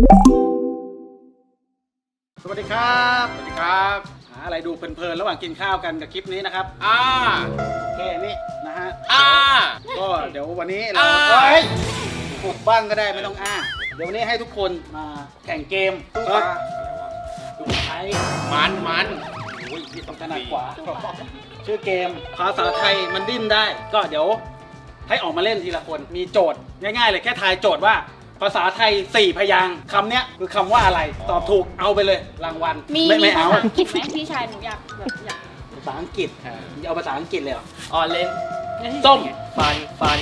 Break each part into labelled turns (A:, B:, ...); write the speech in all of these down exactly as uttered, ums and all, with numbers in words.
A: สวัสดีครับสวัสดีครับหาอะไรดูเพลินๆระหว่างกินข้าวกันกับคลิปนี้นะครับอ่าแค่นี้นะฮะอ่าก็เดี๋ยววันนี้เราเฮ้ยปลุกบ้างก็ได้ไม่ต้องอ้าเดี๋ยววันนี้ให้ทุกคนมาแข่งเกมตู้ปลาตู้ไทยมันมันโอ้ยพี่ต้องถนัดกว่าชื่อเกมภาษาไทยมันดิ้นได้ก็เดี๋ยวให้ออกมาเล่นทีละคนมีโจทย์ง่ายๆเลยแค่ทายโจทย์ว่าภาษาไทยสี่พยางค์คำเนี้ยคือคำว่าอะไรตอบถูกเอาไปเลยรางวัล
B: มี
A: ไม่
B: มี
A: ไม่
B: ภา
A: เอา
B: ษาอังกฤษไหมพี่ชายหนูอยากแบบอยาก
A: ภาษาอังกฤษเอาภาษาอังกฤษเลยเหรอ
C: ออเล่น
A: ส้ม
C: ฟันฟัน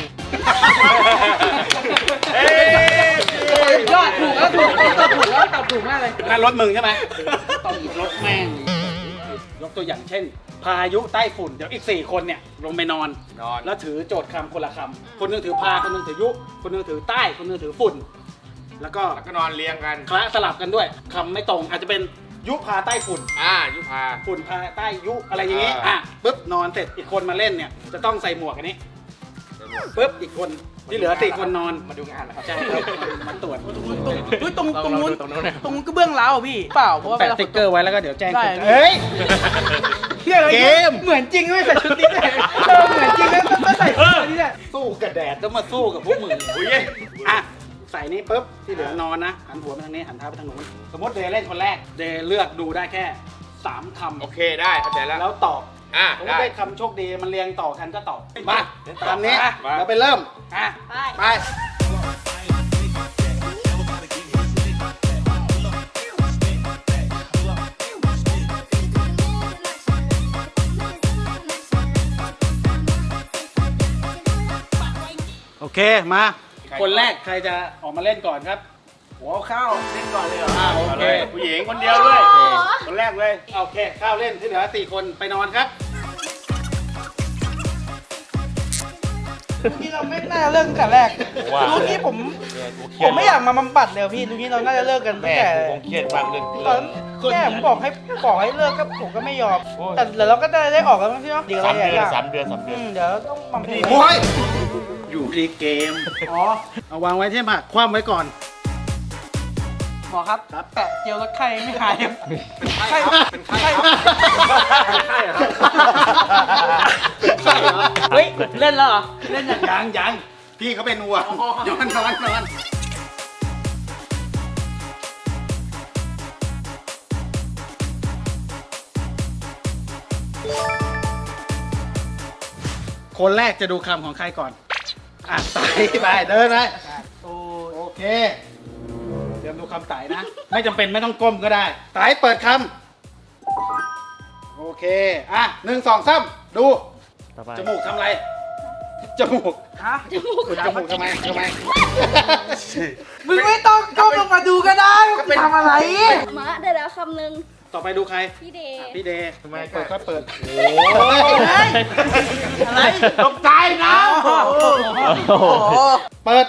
D: ยอดถูกแล้วถูกตอบถูกแล้วตอบถูกมากเลย
A: นั่นรถมึงใช่ไหมต้องอีกรถแม่งยกตัวอย่างเช่น พายุใต้ฝุ่นเดี๋ยวอีกสี่คนเนี่ยลงไปนอน
C: นอน
A: แล้วถือโจทย์คำคนละคำคนหนึงถือพาคนหนึงถือยุคนหนึงถือใต้คนหนึงถือฝุ่น แล้วก็
C: แล้วก็นอนเรียงกัน
A: คละสลับกันด้วยคำไม่ตรงอาจจะเป็นยุพาใต้ฝุ่น
C: อ่ายุพา
A: ฝุ่นพาใต้ยุอะไรอย่างงี้
C: อ่า
A: อ่ะปุ๊บนอนเสร็จอีกคนมาเล่นเนี่ยจะต้องใส่หมวกอันนี้ปุ๊บอีกคนที่เหลือสี่คนนอน
C: มาดูงานนะครับ
A: ใช่ครับมาตรวจ
D: เฮ้ยตรงตรงนู้น
C: ตรงนู้นเนี่ย
D: ตรงนู้นก็เบื้องเล้าอ่ะพี่เปล่าเพราะว่า
A: แปะสติ๊กเกอร์ไว้แล้วก็เดี๋ยวแจ้ง
D: ได้
A: คุณเฮ้ย เกม
D: เหมือนจริงไม่ใส่ชุดนี้เลยเออเหมือนจริงแล้วต้องใส่ชุดนี้แหละ
A: สู้กับแดดต้องมาสู้กับพวกมึง
C: อุ้ย
A: อ่ะใส่นี้ปุ๊บที่เหลือนอนนะหันหัวไปทางนี้หันเท้าไปทางนู้นสมมติเดย์เล่นคนแรกเดย์เลือกดูได้แค่สามคำ
C: โอเคได้เข้าใจแล้ว
A: แล้วตอบ
C: อ่า
A: ผม
C: ได้
A: ได้คำโชคดีมันเรียงต่อกันก็ตอบมาตามนี้
C: มา
A: เราไปเริ่มอ่ะ
B: ไป
A: ไปโอเคมาคนแรกใครจะออกมาเล่นก่อนครับ
D: หัวข้าวเล่นก่อนเลยเหรอ
A: อ่าโอ
C: เอา
A: เค
C: เลยผู้หญิงคนเดียวด้วย
B: โอ้โห
C: คนแรกเลย
A: โอเคข้าวเล่นที่เหลือสี่คนไปนอนครับ
D: ลูกนี้เราไม่น่าเลิกตั้งแต่แรก
C: ว้าว
D: ลูกนี้ผม
C: เนี่ยกูเครี
D: ผ
C: ยด
D: มไม่อยากมาบำบัดเลยพี่ลูกนี้เราน่าจะเลิกกันตั้
C: แม่
D: งแต่
C: กูคงเครียดมากเรื่อง
D: ตอนแม่ผมบอกให้บอกให้เลิกก็ผมก็ไม่ยอม แต่เดี๋ยวเราก็ได้ได้ออกแล้วมั้งพี่เนาะเดี๋ยว
C: สา
D: เรา
C: ม
D: อยาก
C: เดือนสามเดือนสามเดื
D: อื
C: อน
D: มเดี๋ยวต้องบำเพ็ญ
A: โอ้ยอยู่ที่เกมอ๋อเอาวางไว้ที่ผักคว่ำไว้ก่อน
D: หมอครับ
A: ครับ
D: แปะเจลลดไข้ไม่หายครับ
C: เป็นไข้
D: ไข้
C: เป็นไข้
A: เป็นไข้เหรอเป็นไข้เหรอ
D: เฮ้ยเล่นแล้วเหรอเล่นอย่าง
A: ยังยังพี่เขาเป็นวัวนอนนอนนอนคนแรกจะดูคำของใครก่อนอ่ะไต่ไปเดินไป
D: โอ้
A: โอเคเตรียมดูคำไต่นะ ไม่จำเป็นไม่ต้องก้มก็ได้ไต่เปิดคำโอเคอ่ะหนึ่งสองสามดู
C: ต่อไป
A: จมูกทำอะไร จมูก
D: ฮะ
A: จมูกจมูกทำไมทำไม
D: มึงไม่ต้องก้มลงมาดูก็ได้ว่ากูทำอะไร
B: มะได้แล้วคำหนึ่ง
A: ต่อไปดูใคร
B: พี่เดย์
A: อ่ะพี่เดย์
C: ทำไม
A: เปิดก็เปิด
C: โอ้ย
D: อะไร
C: ตกใจนะ
D: โอ้โห
A: เปิด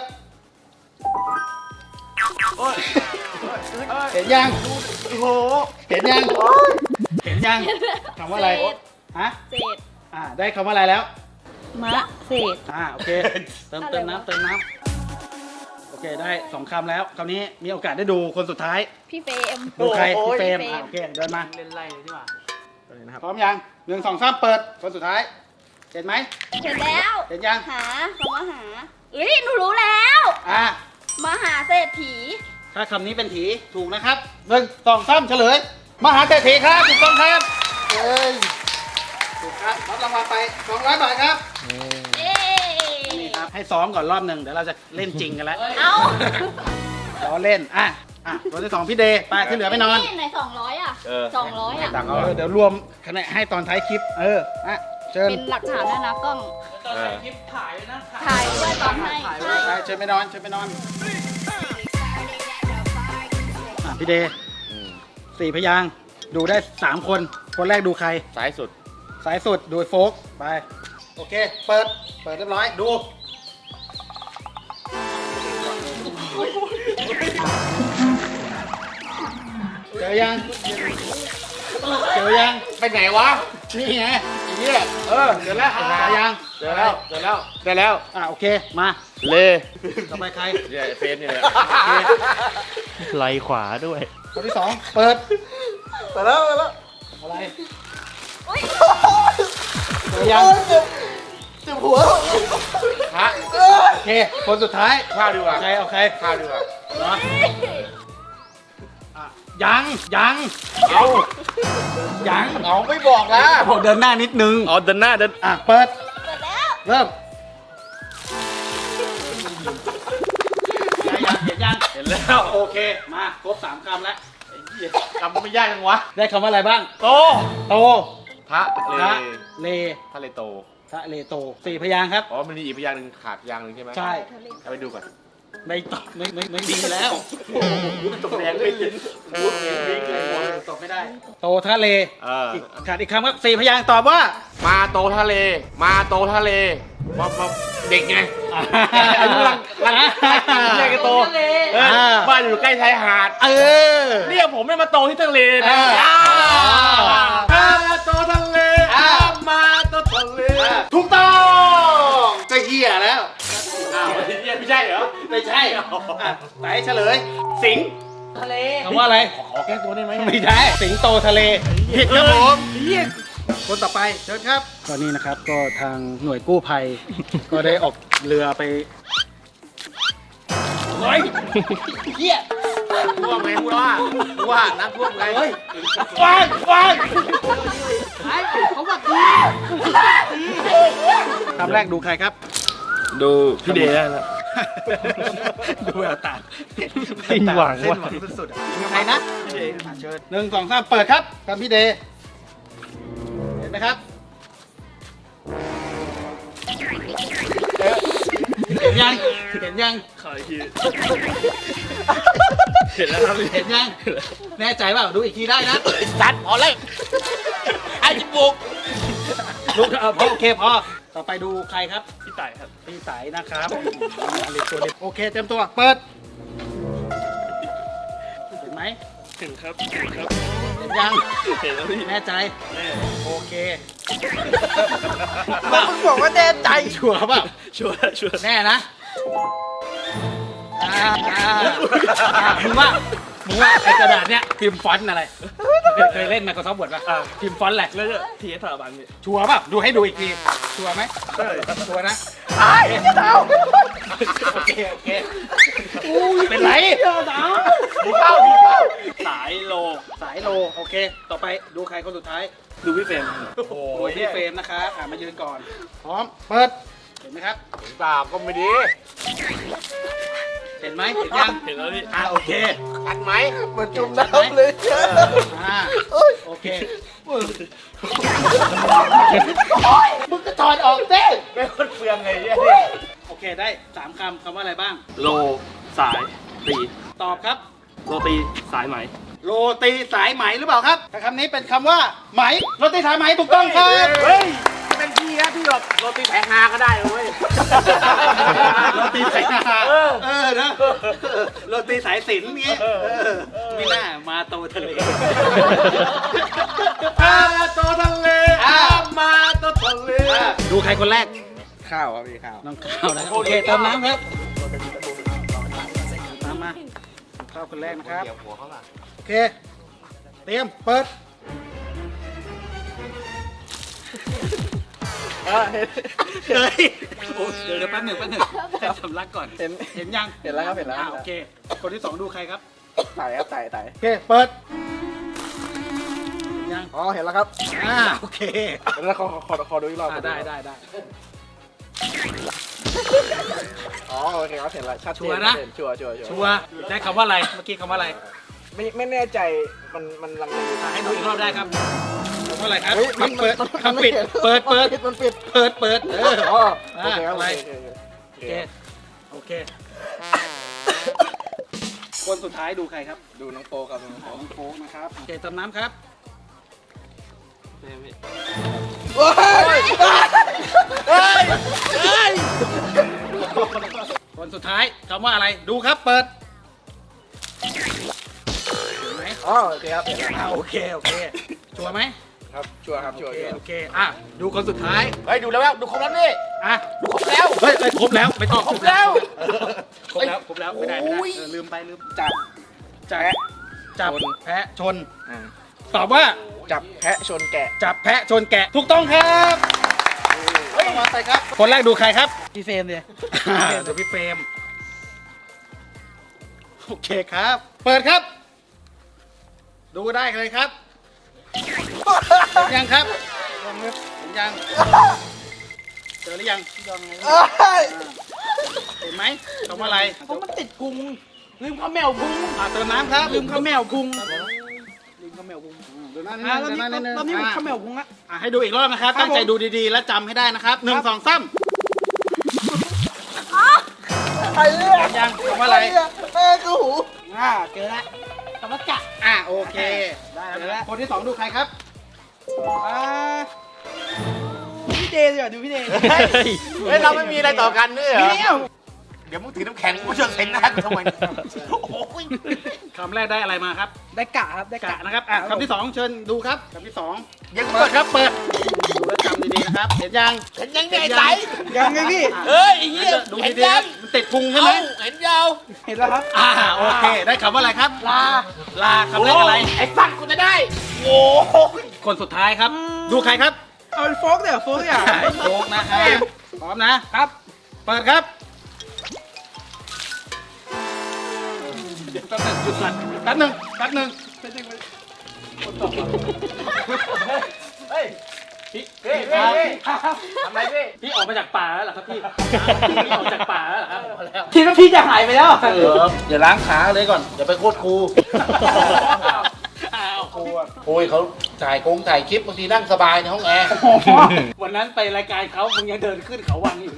A: เห็นยัง
D: โอ้โห
A: เห็นยัง เห็นยังคำว่าอะไร
B: เศษ
A: ฮะ
B: เศษ
A: อ่าได้คำว่าอะไรแล้ว
B: มะเศษ
A: อ่าโอเค เติม
B: อะไร
A: เติม
B: วะ
A: น้ำเติมน้ำโอเคได้สองคำแล้วคราวนี้มีโอกาสได้ดูคนสุดท้าย
B: พี่เฟรม
A: ดูใครพี่เฟรม
B: พี่เฟรม
A: อ่ะโอเคเดินมา
D: เล่นไรเลยดีกว่า
A: พร้อมยังหนึ่งสองสามเปิดคนสุดท้ายเห็นไหม
B: เสร็จแล้ว
A: เห็นยัง
B: หาคำว่าหาเอ้ยหนูรู้แล้ว
A: อ่ะ
B: มหาเศรษฐี
A: ถ้าคำนี้เป็นถีถูกนะครับหนึ่งสองสามเฉลย มหาเศรษฐีครับถูกต้องครับเอ้ยถูกครับรับรางวัลไปสองร้อยบาทครับ
B: เย้
A: นี่ครับให้ซ้อมก่อนรอบหนึ่งเดี๋ยวเราจะเล่นจริงกันแล้ว
B: เอา
A: ล้อเล่นอ่ะอ่ะตัวที่สองพี่เดย์ไปที่เหลือไปนอน
B: ไหนสองร้อยอ่ะ
C: เออ
B: สองร้อยอ่ะ
C: ตังค์
A: เอ
C: เอา
A: อเดี๋ยวรวมคะแนนให้ตอนท้ายคลิป เอออ่ะเชิญ
B: เป็นหลักฐานด้วยนะกล้อง
D: ตอนถ่ายคลิปถ่ายเลยนะ
B: ถ่ายด้วยตอนให้
D: ถ่าย
B: ใช่
A: ไปเชิญไปนอนเชิญไปนอนอ่ะพี่เดย์
C: อืม
A: สี่พยางค์ดูได้สามคนคนแรกดูใคร
C: ซ้ายสุด
A: สายสุดดูโฟกไป โอเค เปิด เปิดเรียบร้อย ดู เจอยัง เจอยัง
C: ไปไหนวะ
A: นี่ไง
C: เฮียเออเจอแล้ว
A: เจอยัง
C: เจอแล้วเจอแล้วได้แล้ว
A: อ่ะโอเค มา
C: เล
A: ต่อไปใคร
C: เนี่ยไอ้เฟรมนี่แหละ
A: โอเค
E: ไหลขวาด้วย
A: คนที่สองเปิด
D: ไปแล้วไปแล้ว
A: อะไร
B: อุ้ย
A: เจอยัง
D: เจ็บหัว
C: ฮะ
A: โอเคคนสุดท้าย
C: ข้าวดีกว่า
A: ใครเอาใคร
C: ข้าวดีกว่า
A: เหรออ่ะยังยัง
C: เอา
A: ยัง
C: เอาไม่บอกนะ
A: บอกเดินหน้านิดนึง
E: อ๋อเดินหน้าเดิน
A: อ่ะเปิด
B: เปิดแล้ว
A: เริ่มยังเห็นยัง
E: เห็นแล้ว
A: โอเคมาครบสามคำแล้ว
C: จำไม่ยากจังวะ
A: ได้คำว่าอะไรบ้าง
E: โต
A: โต
C: พระเล
A: พระเล
C: พระเลโต
A: พระเลโตสี่พยางค์ครับ
C: อ๋อมันมีอีกพยางค์หนึ่งขาดพยางค์หนึ่งใช่ไหม
A: ใช่
C: เอาไปดูก่อน
A: ไม่ตอบไม่ไม่ไม่ดีแล้ว
C: ตกแดงไม่ยินพูดเองวิ่งเลยหมด
A: ตอบไม่ได้ โตทะเล
C: เออ
A: อีกขาดอีกคำครับสี่พยางค์ตอบว่า
C: มาโตทะเล มาโตทะเลว่าว่าเด็กไง อายุรังรังแยกกันโตเออ
A: อ่า
C: บ้านอยู่ใกล้ชายหาด
A: เออ
C: เรียกผมไม่มาโตที่ทะเลนะ
A: อ่า
C: อ่ามาโตทะเลอ่ามาโตทะเล
A: ถูกต้องจะเหี้ยแล้ว
C: อ้าวไม่ใช่เหรอ
A: ไม่ใช่อ่ะไหนเฉลย สิงห์
D: ทะเล
A: คำว่าอะไร
C: ขอแก้ตัวได้ไหม
A: ไม่ได้สิงโตทะเลผิดครับผมคนต่อไปเชิญครับก็นี่นะครับก็ทางหน่วยกู้ภัย ก็ได้ออกเรือไปเฮ้ยเหี้ย
C: ท่วมไงพูดว่าพูดว่าน้ำท่วมไง
A: เฮ้ยฟางฟาง
D: เขาบอกดี
A: คำแรกดูใครครับ
E: ดูพี่เดย์ได้แล้ว
A: ดูแววตา
E: สิ้นหวัง
A: สิ้น
E: ว่ะ
A: หวังสุดๆอ่ะใครนะพี่เดย์อ่ะเชิญหนึ่งสองสามเปิดครับกับพี่เดย์เห็นไหมครับเห็นยังเห็นยัง
E: ขออีกทีเห็นแล้วครับ
A: เห็นยังแน่ใจเปล่าดูอีกทีได้นะ
C: สัตว์พอเลยไอ้จิบุก
A: ลูกเออพอโอเคพอต่อไปดูใครครับ
E: พี่ต่ายครับ
A: พี่สายนะครับเล็กตัวเล็กโอเคเตรียมตัวเปิดเห็นไหม
E: เห็นครับเห็นครับ
A: เห็นยัง
E: เห็นแล้วพี่
A: แน่ใจ
E: แน่
A: โอเค
D: แล้วมึงบอกว่าแน่ใจ
A: ชัวร์เปล่า
E: ชัวร์ชัวร์
A: แน่นะอ่าอ่าอ่ามึงว่ามึงว่าไอ้กระดาษเนี้ยพิมพ์ฟอนต์อะไรเคยเคยเล่น Microsoft Word ป่ะพิมพ์ฟอนต์อะไร
E: แล้วจะทีสถาบันพี่
A: ชัวร์เปล่าดูให้ดูอีกทีชัวร์ไหมชัวร์นะ
D: ไอ้เจ้า
A: โอเคโอเคเป็นไร
C: มีข้าวมีข้าว
E: สายโล
A: สายโลโอเค ต่อไปดูใครคนสุดท้าย
E: ดูพี่เฟรม
C: โอ้โห
A: โอ้ยพี่เฟรมนะครับอ่ามายืนก่อน พร้อม เปิด เห็นไหมครับ
C: ตาก็ไม่ดี
A: เห็นไหมเห็นยัง
E: เห็นแล้วพี่
A: อ่าโอเค
C: ทันไหม
D: มันจุ่มน้ำเลย
A: อ่าโอเค
C: มึงก็ถอดออกเต้เป็นคนเปลืองไงเนี่ย
A: โอเคได้สามคำคำว่าอะไรบ้าง
E: โลสายตี
A: ตอบครับ
E: โรตีสายไหม
A: โรตีสายไหมหรือเปล่าครับถ้าคำนี้เป็นคำว่าไหมโรตีสายไหมถูกต้องครับ
C: เฮ้ยเป็นพี่นะพี่แบบโรตีแผงฮาก็ได้เว้ย
A: โรตีสายนา
C: เออ
A: เออนะโรตีสายสิญจน์เงี้ยเออไม่น่ามาโตทะเล
C: อาโตทะเลอามาโตทะเล
A: ดูใครคนแรก
C: ข้าวครับพี่ข้าว
A: น้องข้าวนะโอเคเติมน้ำครับตามมาข้าวคนแรกนะครับ
C: เดี๋ยวหัวเขาล่ะ
A: โอเค เตรียม เปิด เฮ้ยโอ้เดี๋ยวเดี๋ยวแป๊บหนึ่งแป๊บหนึ่งให้สำลักก่อน
D: เห็น
A: เห็นยัง
D: เห็นแล้วครับเห็นแล้ว
A: อ่าโอเค คนที่สองดูใครครับ
D: ไต่ครับไต่ไต่
A: โอเค เปิดเห็นยัง
D: อ๋อเห็นแล้วครับ
A: อ่า โอเค
D: แล้วขอขอขอดูอีกรอบ
A: อ่าได้ได้ได้
D: อ๋อโอเคครับเห็นแล้วชัดเจ
A: ชัวร์นะ
D: ชัวร์ชัวร์ชัวร์
A: ชัวร์ได้คำว่าอะไร เมื่อกี้คำว่าอะไร
D: ไม่ไม่แน่ใจมันมันลังเลอยู่
A: อ่าให้ดูอีกรอบได้ครับคำว่าอะไรครับ
D: เฮ้ยมัน
A: เปิด
D: มัน
A: คำปิด เปิด เปิด
D: มันปิด
A: เปิด เปิด เออ
D: อ๋อ
A: อ่า
D: โอเคครับ
A: อะไร
D: โอเคโอเค
A: โอเค โอเค คนสุดท้ายดูใครครับ
D: ดูน้องโปครับน้องโป
A: ของโค้กนะครับ โอเคเติมน้ำครับ คนสุดท้ายคำว่าอะไร ดูครับ เปิดเห็นไหม
D: อ๋อโอเคครับเห็นแล้ว
A: อ่าโอเค โอเค ชัวร์ไหม
D: ครับชัวร์ครับ
A: โอ
D: ชัวร์
A: เค
D: ชัวร์
A: โอเค อ่ะ ดูคนสุดท้าย
C: เฮ้ยดูแล้วดูครบแล้วนี่
A: อ่ะ
C: ดูครบแล้ว
A: เฮ้ยเฮ้ยครบแล้ว ไม่ต้อง
C: ครบแล้ว
A: ครบแล้ว ครบแล้ว ไม่ได้ไม่ได้เออลืมไปลืม
D: จาก
A: จับจับแพะชน
C: อ่า
A: ตอบว่า
C: จับแพะชนแกะ
A: จับแพะชนแกะถูกต้องครับมาใส่ครับ คนแรกดูใครครับ
D: พี่เฟรมเลย
A: เดี๋ยวพี่เฟรมโอเคครับ เปิดครับ ดูได้เลยครับเห็นยังครับเห็นยังเจอหรือยังเห็นไหมคำว่าอะไร
D: เพราะมันติดพุงลืมข้าวแมวพุง
A: อ่าเติมน้ำครับ
D: ลืมข้าวแมวพุงลืมข้าวแมวพุง
A: เดี๋ยวหน้านิด
D: อ่า
A: นึง
D: รอบ
A: เดี๋ยวห
D: นี้
A: น้านิดนึง
D: รอบนี้ผม
A: อ่า
D: ข้าวแมวพุงละ
A: อ่าให้ดูอีกรอบนะครับ
D: ครับ
A: ตั้งใจ
D: ผม
A: ดูดีๆ และจำให้ได้นะครับหนึ่งสองสามยังคำว่าอะไร
D: แม่กูหูอ่าเจอละคำว่ากะ
A: อ่าโอเค ได้แล้ว คนที่สองดูใครครับ
D: อ่าพี่เดย์ดีกว่าดูพี่เดย์
C: เฮ้ยเราไม่มีอะไรต่อกันด้วยเหรอ
D: พี่เนี่ย
C: เดี๋ยวมึงถือน้ำแข็งกูจะเซ็นหน้ากูทำไมโอ้ย
A: คำแรกได้อะไรมาครับ
D: ได้กะครับได้
A: กะ
D: กะ
A: นะครับอ่ะคำที่สองเชิญดูครับคำที่สอง
C: ยัง
A: เปิ
C: เปิ
A: ด
C: ด
A: ครับเปิดดูแลวจำดีๆนะครับ เห็นยัง
C: เห็นยังไงใส
D: ยังไงพี่
C: เฮ้ยไอ้เหี้ย
A: ดู
C: เห็น
A: ดีๆ
C: ยั
A: นะ
C: ง
A: มันติดพุงใช่
C: เอ้า
A: ไหม
C: เห็นยาว
D: เห็นแล้วครับ
A: อ่าโอเค ได้คำว่าอะไรครับ
D: ลา
A: ลาคำแรกอะไร
C: ไอ้สัตว์กูจะได้โอ้ย
A: คนสุดท้ายครับ ดูใครครับ
D: เอาเป็นโฟกเดี๋ยวโฟกอย่าง
A: โฟกนะครับพร้อมนะครับ เปิดครับเดี๋ยวแป๊บนึงหยุดก่อนแป๊บนึงแป๊บนึง
C: เฮ้ย
A: พี่
C: พี่
A: พี่
C: พี่
A: ครับ
C: ทำไรพี่
A: พี่ออกมาจากป่าแล้วเหรอครับพี่ พี่ออกจากป่าแล้วเหรอครับ
D: คิดว่าพี่จะหายไปแล้ว
A: เอออย่าล้างขาเลยก่อน
C: อย่าไปโคตรครู
A: อ้าวครูอะ
C: โอ้ยเขาถ่ายกงถ่ายคลิปบางทีนั่งสบายในห้องแอร์
A: วันนั้นไปรายการเขามึงยังเดินขึ้นเขาวังอยู่เลย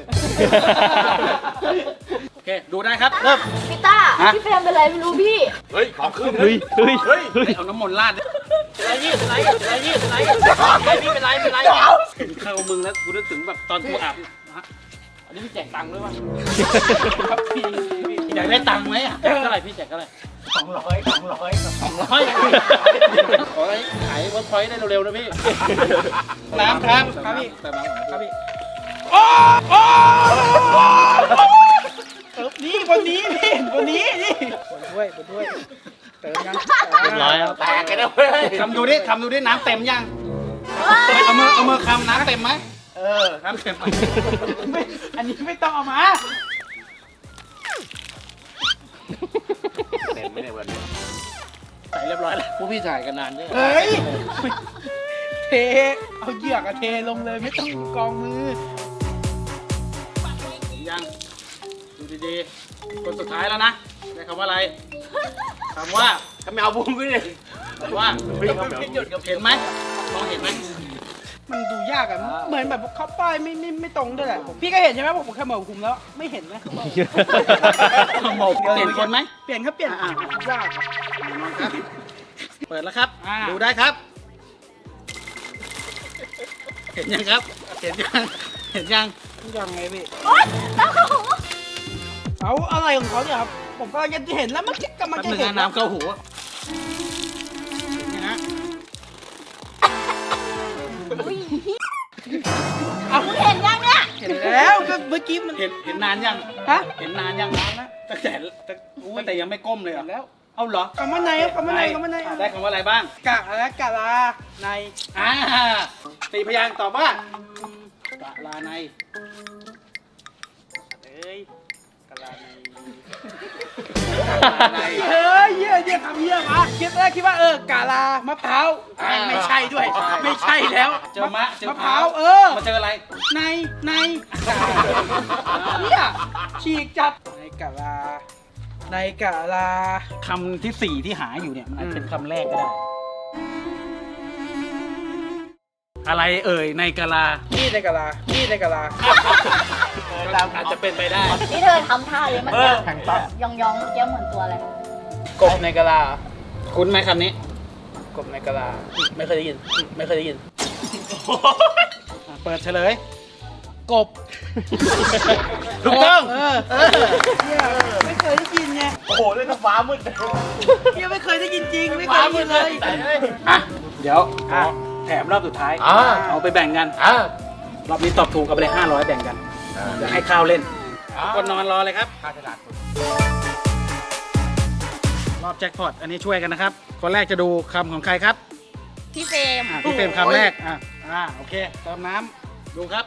A: โอเค ดูได้ครับ เริ่ม
B: พี่ต้า
A: ฮะ
B: พี่เฟรมเป็นไรไม่รู้พี่
C: เฮ้ยของขึ้น
E: เฮ้ยเฮ้ย
C: เฮ้ย
A: เอาน้ำมนต์ราด
C: เป็นไรพี่เป็นไรเป็นไรพี่เป็นไรพี่เป็นไรเป็นไร
A: เห็นเข้ามึงแล้วกูนึกถึงแบบตอนกูอาบฮะ
C: อันนี้พี่แจกตังค์ด้วยมั้ย
A: อยากได้ตังค์ไหมอะแจกเท่าไหร่พี่แจกเท่าไหร่
C: สองร้อยสองร้อย
A: สองร้อยขอให้ขายเวิร์กพอยต์ได้เร็วๆนะพี่ น้ำครับ
D: ครับพี่
A: เติมน้ำก่อน
D: ครับพี่โอ้โอ้เติมนี่บนนี้นี่บนนี้นี่บนถ้วยบนถ้วยเติมยัง
E: เรียบร้อยครับ
C: แตกกันนะเว้ย
A: ทำดูดิทำดูดิน้ำเต็มยัง เอามือเอามือคำน้ำเต็มไหมเออ น้ำเต็มไหม
D: ไม่อันนี้ไม่ต้องเอามา
C: เต็มไม่ได้วันนี้
A: ใส่เรียบร้อยแล้ว
C: พวกพี่ถ่ายกันนานด้วย
D: เฮ้ยเทเอาเหยือกอะเทลงเลยไม่ต้องกองมือ
A: ยัง ดูดีๆ คนสุดท้ายแล้วนะ ได้คำว่าอะไร คำว่า
C: ทำไมเอาบุ้งขึ้นเลย
A: คำว่า เห็นไหมมองเห็นไหม
D: มันดูยากอะเหมือนแบบเขาป้ายไม่ไม่ไม่ตรงด้วยแหละผมพี่ก็เห็นใช่ไหมผมผมแค่เหมือนคุมแล้วไม่เห็นนะ
A: เปลี่ยนคนไหม
D: เปลี่ยนครับเปลี่ยน
A: อ่ะ
D: ยาก
A: ครับ เปิดแล้วครับ
D: อ่า
A: ดูได้ครับ เห็นยังครับ เห็นยัง เห็นยัง
D: ยังไงพี่
B: โอ๊ยน้ำเข้าหู
D: เอาอะไรของเขาเนี่ยครับผมกำลังจะเห็นแล้วเมื่อกี้กำลัง
A: แป๊บ
D: จะ
A: นึง
D: เห็น
A: นะน้ำเข้าหูเห็นยังฮะ
B: อุ้ยเอาเห็นยังเนี่ย
D: เห็นแล้วก็เมื่อกี้มัน
A: เห็นเห็นนานยัง
D: ฮะ
A: เห็นนานยังนานแล้วตั้งแต่ตั้งตั้งแต่ยังไม่ก้มเลยเหร
D: เห็
A: อน
D: แล้ว
A: เอาเหรอ
D: คำว่าในครับคำว่าในคำว่าใน
A: อ่ะได้คำว่าอะไรบ้าง
D: กะและกะลาใน
A: อ่าสี่พยางค์ตอบว่ากะลาใน
D: เอ้ย
A: กะลาใน
D: เฮ้ยเยี่ยเยี่ยคำเยี่ยมาคิดแรกคิดว่าเออกะลามะพร้าวแม่งไม่ใช่ด้วย ไม่ใช่แล้ว
A: เจอมะเจอ
D: มะพร้าวเออ
A: มาเจออะไร
D: ในในเนี่ยฉีกจัดในกะลาในกะลา
A: คำที่สี่ที่หาอยู่เนี่ยมันอาจ
D: อืม
A: เป็นคำแรกก็ได้ อะไรเอ่ยในกะลา
D: นี่ในกะลานี่ในกะลา
A: อาจจะเป็นไปได้
B: นี่เธอทำท่าเลยเมื่อกี้ยองยองๆเมื่อกี้เหมือนตัวอะไร
D: กบในกะลา
A: คุ้นไหมคำนี้
D: กบในกะลาไม่เคยได้ยิน ไม่เคยได้ยิน
A: อ่ะเปิดเฉลย
D: กบ
A: ถูกต้อง
D: เออเออเนี่ยไม่เคยได้ยินไง
C: โอ้โหเล่นกับฟ้ามืดเลย
D: เนี่ยไม่เคยได้ยินจริงไม่เคยได้ยินเลย
A: อ่ะ เดี๋ยวขอแถมรอบสุดท้าย
C: อ่า
A: เอาไปแบ่งกัน
C: อ่าร
A: อบนี้ตอบถูกกันไปเลยห้าร้อยแบ่งกันเดี๋ยวให้ข้าวเล่น
C: อ่า
A: คนนอนรอเลยครับ
C: ข้าฉลาด
A: รอบแจ็คพอตอันนี้ช่วยกันนะครับ คนแรกจะดูคำของใครครับ
B: พี่เฟรม
A: อ่ะพี่เฟรมคำแรกอ่ะอ่าโอเคเติมน้ำดูครับ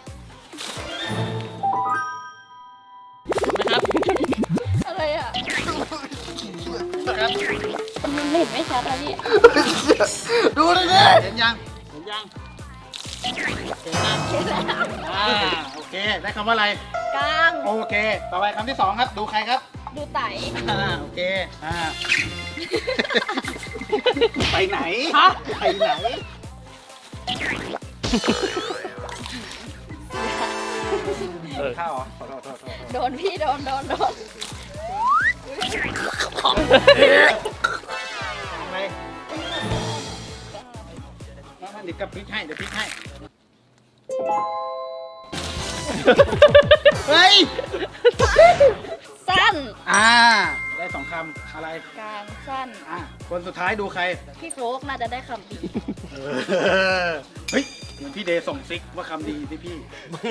A: นะครับ
B: อะไรอ่ะ
A: นะครับ
B: มันเห็นไม่ชัดอะพี่
A: ดูเลยดิเห็นยังเห็นยังเห็นยังอ่าโอเคได้คำว่าอะไร
B: กลาง
A: โอเค ต่อไปคำที่สองครับดูใครครับ
B: ดูไต
A: อ่าโอเคอ่าไปไหนไปไหนข้าวเหรอขอโทษขอโทษขอโทษ
B: โดนพี่โดนโดนโดน
A: ทำไมน้องมันดิบกับพริกให้เดี๋ยวพริกให้เฮ้ย
B: สั้น
A: อ่าได้สองคำอะไร
B: กลางสั้น
A: อ่าคนสุดท้ายดูใคร
B: พี่โฟกน่าจะได้คำดี
A: เออเฮ้ยเหมือนพี่เดย์ส่งซิกว่าคำดีที่พี่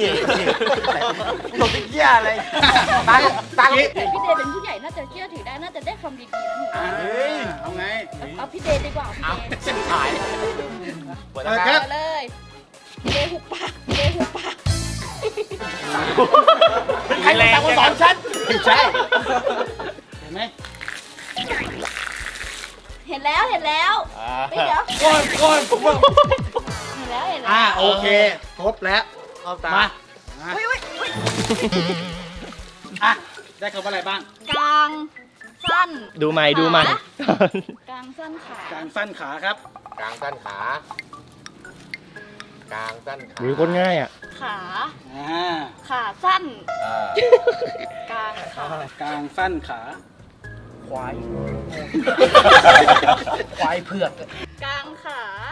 C: ตกเหี้ยอะไรตั้งตั้ง
B: แต่พี่เดย์เป็นผู้ใหญ่น่าจะเชื่อถือได้น่าจะได้คำดีๆนะหนู
A: อ่าเอาไง
B: เอาพี่เดย์ดีกว่าพี่
C: เอา
B: เดย์
C: เส้นขายเปิด
A: เปิด
C: นะ
A: ค
C: ค
A: รั
C: รับ บ
B: เอาเลยพี่เดย์หุบปากพี่เดย์หุบปาก
C: ใครมาสั่งมาสอนฉัน
A: ไม่ใช่เห็นไหม
B: เห็นแล้วเห็นแล้วเฮ้ยเดี๋ยว
C: ก้อนก้อนผมว่า
B: เห็นแล้วเห็นแล้ว
A: อ่าโอเคครบแล้ว
C: เอาตา
A: มา
B: เฮ้ยเฮ้ยเฮ้ย
A: อ่ะได้คำว่าอะไรบ้าง
B: กลางสั้น
E: ดูใหม่ดูใหม่
B: ขากลางสั้นขาก
A: ลางสั้นขาครับ
C: กลางสั้นขา กลางสั้นขา
E: ดูคนง่ายอ่ะ
B: ขา
A: อ่า
B: ขาสั้น
C: เออก
B: ลางขาก
A: ลางสั้นขา
D: ควาย ควายเผือก
B: กลางขา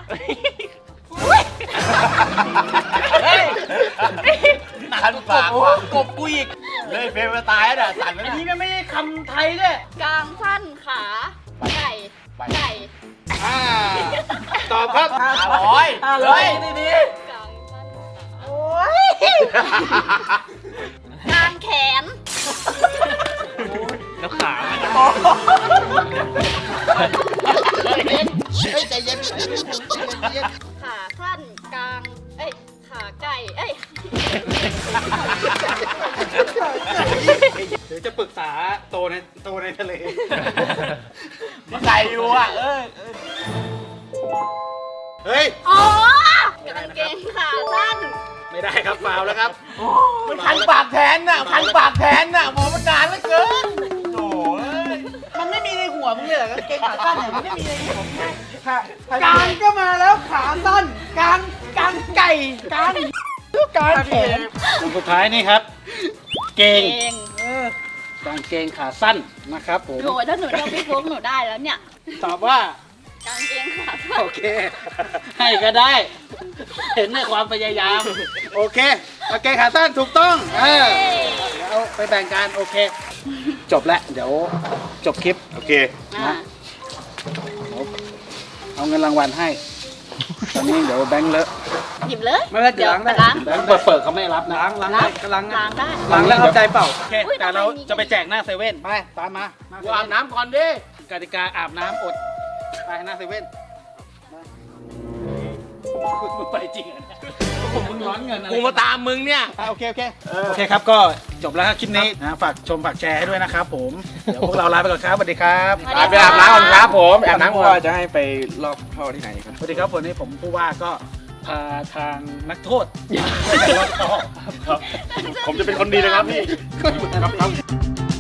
C: ขันปากว่ะกบกูอีกเลยเฟรมมาตายแล้วน่ะสั่นแล้ว
D: อัน
C: นะ
D: นี้มันไม่ใช่คำไทยด้วย
B: กลางสั้นขาไก่
C: ไป
B: ไก่
A: อ่าตอบครับ
C: ห้าร้อย
D: ห้าร้อยดี
B: กลางสั้นขา
D: ๆโอ้ย
B: กลางแขน
E: แล้วขา
A: เฮ้ยใจเย็นใจเย็น
B: ขาสั้นกลางเอ้ยขาไก่เอ้ย
A: เดี๋ยวจะปรึกษาโตในโตในทะเล
C: มาใส่อยู่อ่ะเออ
A: เฮ้ย
B: อ๋อกางเกงขาสั้น
A: ไม่ได้ครับฟาวแล้วครับ
C: มันคันปากแทนน่ะคันปากแทนน่ะมองมันนานเหลือเกินโถ่เอ้ย
D: มันไม่มีในหัวมึงเลยเหรอกางเกงขาสั้นเนี่ยมันไม่มีในหัวมึงเลยกลางก็มาแล้วขาสั้นกลางกลางไก่กลางกลางแขน
A: คนสุดท้ายนี่ครับ เก
B: เก
A: ง
B: ง
D: เออก
A: างเกงขาสั้นนะครับผม
B: โหถ้าหนูเรียกพี่โฟกหนูได้แล้วเนี่ย
A: ตอบว่า
B: กางเกงขาสั้น
A: โอเค ให้ก็ได้ เห็นในความพยายาม โอเคโอเคขาสั้นถูกต้อง เออเดี๋ยวไปแบ่งกันโอเค จบแล้วเดี๋ยวจบคลิป
C: โอเค
B: อ่า
A: เอาเงินรางวัลให้ ตอนนี้เดี๋ยวแบงค์เลอะ
B: หยิบเลย
D: ไม่เป็นไรเดี๋ยวล้างได้
B: ล้าง
A: แบงค์เปิดเปิดเขาไม่รับนะ
D: ล้างล้างได้ก็ล้าง
B: ล้างได้
D: ล้างแล้วเอาใจเปล่า
A: โอเค
B: อุ๊ย
A: แต่เรา
B: ทำไมมี
A: จะไปแจกหน้าเซเว่นไปตามมาหน้าเซ
C: กู
A: เว่
C: อาบน้ำก่อนดิ
A: กติกาอาบน้ำอดไปหน้าเซเว่นมึงไปจริงเหรอเนี่ยผมมึงร้อนเงินอะไร
C: กูมาตามมึงเนี่ย
A: อ่ะโอเคโอเคโอเคครับก็จบแล้วครับคลิปนี้นะฝากชมฝากแชร์ให้ด้วยนะครับผมเดี๋ยวพวกเราลาไปก่อนครับสวัสดีครับ
B: สวัส
C: ไป
B: ดี
C: ไปอาบน้ำก่อนครับผมอาบน้ำก่อน
E: จะให้ไปรอบท่อที่ไหนครับ
A: สวัสดีครับวันนี้ผมผู้ว่าก็พาทางนักโทษ
E: ครับ ผมจะเป็นคนดีนะครับพี่
A: ครับ